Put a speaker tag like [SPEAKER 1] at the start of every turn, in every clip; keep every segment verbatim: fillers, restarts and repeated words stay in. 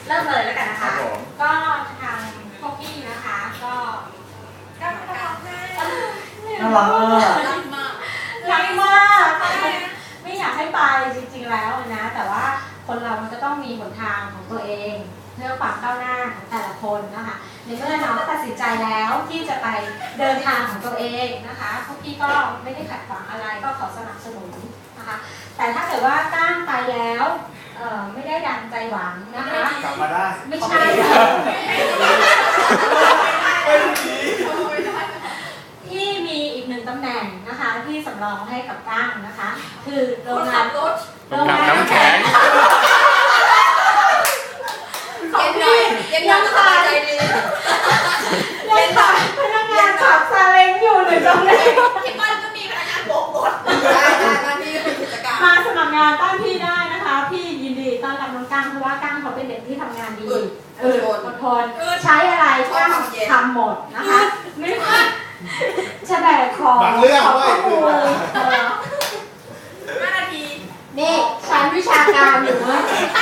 [SPEAKER 1] เริ่มเลยแล้วกันนะคะก็ทางพวกพี่นะคะก็ก็ก็
[SPEAKER 2] น่ารักมาก
[SPEAKER 1] รักมากรักมากไม่อยากให้ไปจริงๆแล้วนะแต่ว่าคนเรามันก็ต้องมีหนทางของตัวเองเพื่อความก้าวหน้าของแต่ละคนนะคะในเมื่อน้องตัดสินใจแล้วที่จะไปเดินทางของตัวเองนะคะพวกพี่ก็ไม่ได้ขัดขวางอะไรก็ขอสนับสนุนนะคะแต่ถ้าเกิดว่าตั้งไปแล้วเอ่อไม่ได้ดังใจหวังนะคะ
[SPEAKER 2] กลับมาได้
[SPEAKER 1] ไม่ใช่ที่มีอีกหนึ่งตำแหน่งนะคะที่สำรองให้กับตั้งนะคะคือโรงงาน
[SPEAKER 3] โรงงานน้ำแข็ง
[SPEAKER 1] ของพี่ยังขาดใจดียังขาดพนักงานขับซาเล้งอยู่หนึ่งตำแหน่ง
[SPEAKER 4] ที่บ้านก็มีพนักงานโบกรถได้ได้บ้านพี่เป็นกิจการ
[SPEAKER 1] มาสมัครงานต้านพี่ได้นะคะพี่ยินดีต้อนรับน้องกั้งเพราะว่ากั้งเขาเป็นเด็กที่ทำงานดีเอออดทนใช้อะไรกั้งทำหมดนะคะไม่ว่าจะแบกของ
[SPEAKER 2] บางเรื่อง
[SPEAKER 1] ของ
[SPEAKER 2] ด้วย
[SPEAKER 1] ครู
[SPEAKER 4] ห้านาที
[SPEAKER 1] นี่ชั้นวิชาการอยู่ว่า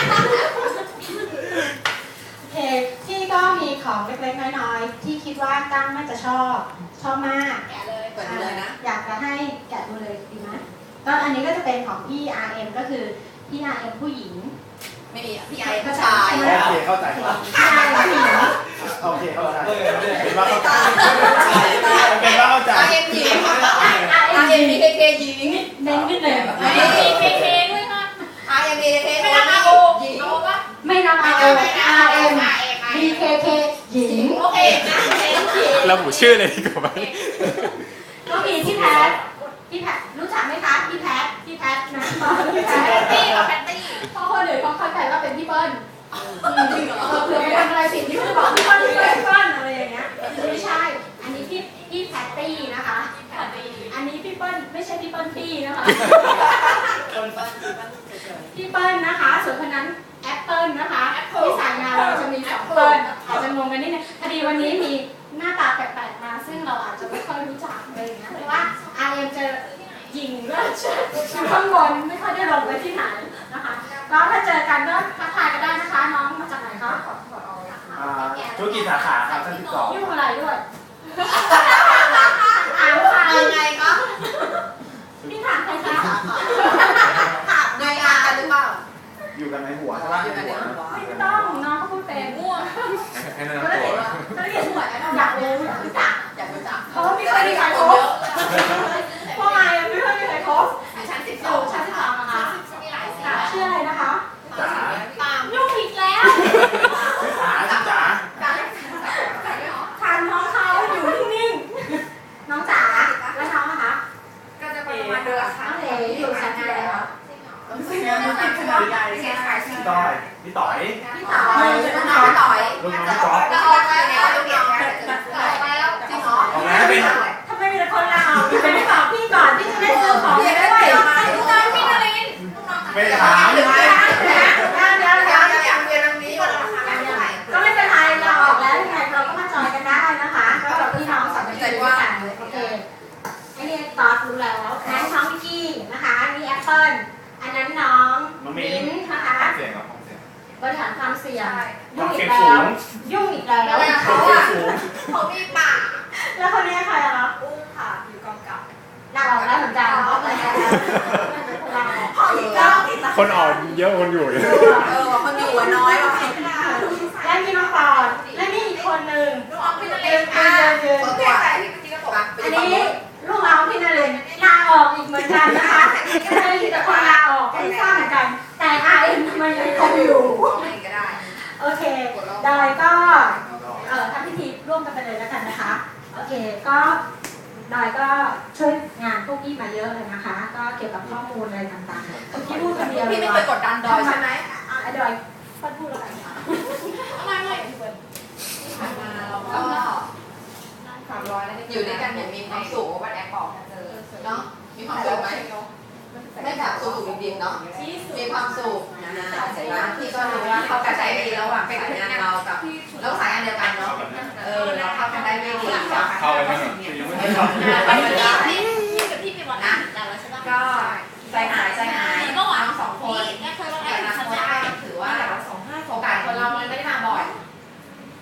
[SPEAKER 1] โอเคพี่ก็มีของเล็กๆน้อยๆที่คิดว่ากั้งน่าจะชอบชอบมาก
[SPEAKER 4] แกะเลยเปิดเลยนะ
[SPEAKER 1] อยากจะให้แกะดูเลยดีไหมก็อันนี้ก็จะเป็นของพี่ อาร์ เอ็ม ก็คือพี่ อาร์ เอ็ม ผู้หญิง
[SPEAKER 4] ไม่มีพี่ไอผู้ชาย
[SPEAKER 2] โอเคเข้าใจครับ
[SPEAKER 1] พี่ อาร์ เอ็ม ผู้หญิง
[SPEAKER 2] โอเคเข้าใจเป็นว่าเข้าใจเป็นว่าเข้าใจ
[SPEAKER 4] อาร์ เอ็ม หญิง อาร์ เอ็ม บี เค เค หญิง
[SPEAKER 1] เน้นขึ้นเลย
[SPEAKER 4] อาร์ เอ็ม บี เค เค ด้วยค่ะ อาร์ เอ็ม บี เค เค
[SPEAKER 1] ไม่นับ อาร์ โอ
[SPEAKER 4] หญิงเอาปะ
[SPEAKER 1] ไม่นับ อาร์ โอ อาร์ เอ็ม บี เค เค หญิง
[SPEAKER 4] โอเคนะ
[SPEAKER 3] ระบุชื่อเลยดีกว่า
[SPEAKER 1] ก็มีพี่แพทพี่แพทรู้จักไหมคะพี่แพทพี่แพทนะพี่แพท
[SPEAKER 4] ตี้กับแพตตี้
[SPEAKER 1] เพราะคนอื่นเขาเข้าใจว่าเป็นพี่เปิ้ลเผื่อไปทำอะไรผิดที่เขาบอกพี่เปิ้ลพี่เปิ้ลอะไรอย่างเงี้ยไม่ใช่อันนี้พี่พี่แพตตี้นะคะอันนี้พี่เปิ้ลไม่ใช่พี่เปิ้ลตี้นะคะพี่เปิ้ลนะคะส่วนคนนั้นแอปเปิ้ลนะคะที่สายงานเราจะมีสองเปิ้ลอาจจะงงกันนิดนึงพอดีวันนี้มีหน้าตาแปลกๆมาซึ่งเราอาจจะไม่ค่อยรู้จักเลยนะเพราะว่า อาร์ เอ็ม จะยิงด้วยอยู่ข้างบนไม่ค่อยได้ลงไปที่ไหนนะคะก็ถ้าเจอกันก็ทักทายกันได้นะคะน้องมาจากไหนคะ
[SPEAKER 2] ธุรกิจสาขาครับท่านที่สอง
[SPEAKER 1] ยุ่งอะไรด้วยถามใคร
[SPEAKER 4] ไงก็
[SPEAKER 1] พี่ถามใครคะ
[SPEAKER 4] ถามไงอ่ะหรือเปล่า
[SPEAKER 2] อยู่กันในหัวใช่ไหมอยู่กันในหัว
[SPEAKER 1] ไม่ต้องน้องเขาพูดเป็นง่วง
[SPEAKER 3] ให้นั่งตัว
[SPEAKER 1] ก็เรียนหัวอยากรู้อยากรู้จัก
[SPEAKER 4] อยากรู้จัก
[SPEAKER 1] เพราะว่าไม่เคยมีใครคบเพราะไงไม่เคยมีใครคบ
[SPEAKER 4] ชั้นสิบส
[SPEAKER 1] อ
[SPEAKER 4] ง
[SPEAKER 1] ชั้นสิบสองนะคะชื่ออะไรนะคะ
[SPEAKER 2] จ๋า
[SPEAKER 1] ตามยุ่งอีกแล้ว
[SPEAKER 2] จ๋าจ๋า
[SPEAKER 1] ทานน้องเขาอยู่นิ่งๆน้องจ๋าแล้วน้องนะคะ
[SPEAKER 4] ก็จะประมาณเดือน
[SPEAKER 1] น้องเอ๋อยู่ชั้นที่แล้ว
[SPEAKER 2] พี่ต้อยพี่ต่อย
[SPEAKER 1] พี่ต่อย
[SPEAKER 4] ลูกน้องต่อย
[SPEAKER 2] ลูกน้องจ๊อบ
[SPEAKER 4] แล้วออกแล้วลูกน้องแล้วจริงเหรอ
[SPEAKER 2] ออกแล้วเป็น
[SPEAKER 1] ทำไมมีแต่คนลาวพี่ไม่ตอบพี่ก่อนพี่จะได้ซื้อของด้วย
[SPEAKER 4] ลูกน้องพี่นริน
[SPEAKER 2] ไม่ถาม
[SPEAKER 1] เดี๋ยวเดี๋ยวเดี๋ยวเดี๋ยว
[SPEAKER 4] อยากเรียนตรงนี้ก่อน
[SPEAKER 1] ก็ไม่เป็นไรเราออกแล้วยังไงเราก็มาจอยกันได้นะคะก็แบบพี่น้องสองคนด้วยกันเลยโอเคไอ้นี่ตอดรู้แล้วนั้นน้องวิกกี้นะคะนี่แอปเปิ้ลอันนั้นน้องมิ้นนะคะบริหารความเสี่ยงยุ่งอีกแล้วยุ่งอีกแล้ว
[SPEAKER 4] เขาอ่ะเขามีปาก
[SPEAKER 1] แล้วคนนี้ใครอะคะ
[SPEAKER 4] อุ้มค่ะอยู่กองกับ
[SPEAKER 1] ลาออกแล้วเหมือนกันลาออก
[SPEAKER 3] คนอ่อนเยอะคนอยู่เยอะ
[SPEAKER 4] เออคนอยู่น้อยว่ะ
[SPEAKER 1] และมีน้องปอนและนี่อีกคนหนึ่ง
[SPEAKER 4] ลูกน้องพี่นเรน
[SPEAKER 1] อ่ะอันนี้ลูกน้องพี่นเรนลาออกอีกเหมือนกันนะคะก็เลยมีแต่คนลาออกไม่ทราบเหมือนกันแต่อาร์เอ็มทำไมยังคงอยู่โอเคดอยก็เอ่อทำพิธีร่วมกันไปเลยแล้วกันนะคะโอเคก็ดอยก็ช่วยงานพวกพี่มาเยอะเลยนะคะก็เกี่ยวกับข้อมูลอะไรต่างๆพี่พูดคนเดียว
[SPEAKER 4] พี่ไม่เคยกดดันดอยใช่ไหม
[SPEAKER 1] อ่ะดอยพูดพูดแล้วกันค่ะ
[SPEAKER 4] ไม่ไม่ที่ผ่านมาเราก็สามร้อยแล้วอยู่ด้วยกันอย่างมีความสุขวันแอปบอกเจอเนาะมีความสุขไหมไม่แบบสุขสุขดิบๆเนาะมีความสุขนะเสร็จแล้วพี่ก็รู้ว่าเขากระจายดีระหว่างสายงานเรากับเราสายงานเดียวกันเนาะเออเราเข้ากันได้ไม่ดี
[SPEAKER 3] เข้าไปไม่ถึงยังไม่เข้า
[SPEAKER 4] พี่กับพี่เป็นวันนะก็ใจหายใจหายน้องสองคนแต่ละคนก็ถือว่าโอกาสคนเรามันไม่ได้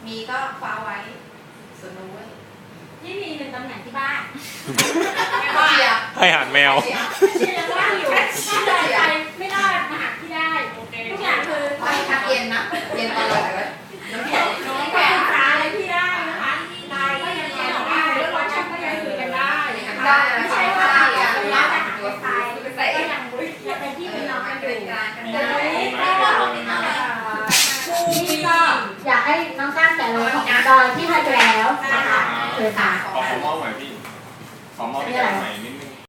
[SPEAKER 4] มีก็ฟ้าไว้ส่วนนู้น
[SPEAKER 1] ที่มีหนึ่งตำแหน่งที่บ้าน
[SPEAKER 4] ไม่ว่าเชียร์
[SPEAKER 3] ให้อาหารแมว
[SPEAKER 1] ที่ยังว่างอยู่ถ้าเลยไปไม่รอดมาหาที่ได้ทุกอย่างคือ
[SPEAKER 4] ไปพักเย็นนะเย็นตลอดเลยน้ำแข็ง
[SPEAKER 1] น้องแข็งตาอะไรที่ได้นะคะไลน์ก็ยังแข็งได้แล้ววันชักก็ยังคุยกันได้นะคะไม่ใช่ว่าเราจะหาตัวตายก็ยังยังเป็นที่เป็นน้องกันอยู่นี่ก็อยากให้น้องก้านแต่ละของดอยที่ให้ไปแล้วนะคะคือค่ะ
[SPEAKER 3] ขอขอมอบหน่อยพี่ ขอมอบพี่แก้วใหม่นิด